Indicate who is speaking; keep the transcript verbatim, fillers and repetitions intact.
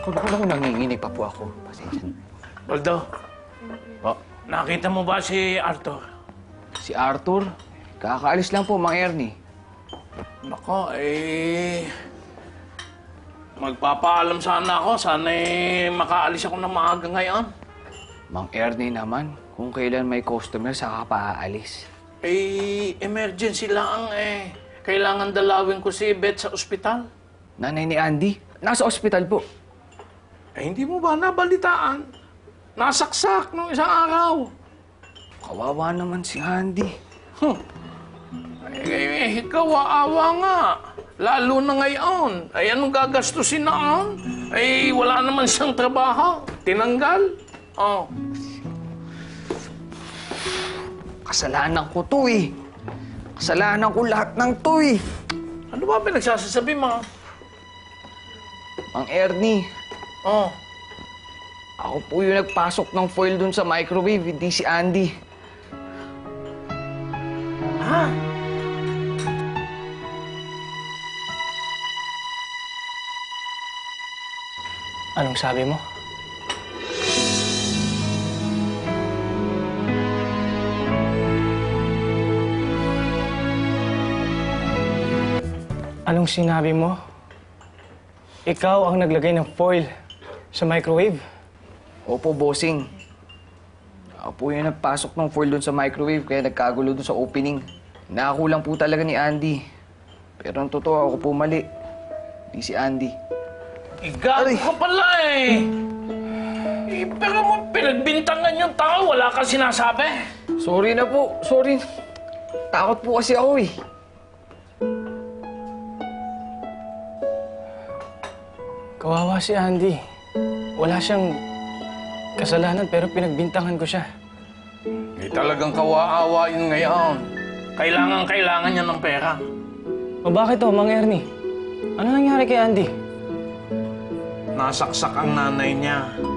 Speaker 1: Naku, naku, naku, nanginginig pa po ako. Pasensya na.
Speaker 2: Baldo,
Speaker 1: Po,
Speaker 2: nakita mo ba si Arthur?
Speaker 1: si Arthur, kakaalis lang po, Mang Ernie.
Speaker 2: Nako, eh... Magpapaalam sana ako. Sana eh, makaalis ako ng maaga ngayon.
Speaker 1: Mang Ernie naman, kung kailan may customer, saka pa aalis.
Speaker 2: Eh, emergency lang eh. Kailangan dalawin ko si Beth sa ospital.
Speaker 1: Nanay ni Andy, nasa ospital po.
Speaker 2: Eh, hindi mo ba nabalitaan? Nasaksak nung isang araw.
Speaker 1: Kawawa naman si Andy.
Speaker 2: Huh. Eh, eh, kawaawa nga. Lalo na ngayon. Ay, anong gagastusin noon? Ay, wala naman siyang trabaho. Tinanggal. Oh.
Speaker 1: Kasalanan ko to eh. Kasalanan ko lahat ng to eh.
Speaker 2: Ano ba pinagsasasabi mo?
Speaker 1: Mang Ernie,
Speaker 2: Oh.
Speaker 1: ako po yung nagpasok ng foil dun sa microwave, hindi si Andy.
Speaker 2: Ha?
Speaker 3: Anong sabi mo? Anong sinabi mo? Ikaw ang naglagay ng foil sa microwave?
Speaker 1: Opo, bossing. Ako po yung nagpasok ng foil dun sa microwave, kaya nagkagulo dun sa opening. Nakakulang po talaga ni Andy. Pero ang totoo, ako po mali. Hindi si Andy.
Speaker 2: Igago ka pala eh. Eh, pero mo pinagbintangan yung tao, wala kang sinasabi.
Speaker 1: Sorry na po, sorry. Takot po kasi ako eh.
Speaker 3: Kawawa si Andy. Wala siyang kasalanan pero pinagbintangan ko siya.
Speaker 2: Eh, talagang kawaawa yun ngayon. Kailangan, kailangan niya ng pera.
Speaker 3: O bakit to, Mang Ernie? Ano nangyari kay Andy?
Speaker 2: Nasaksak ang nanay niya.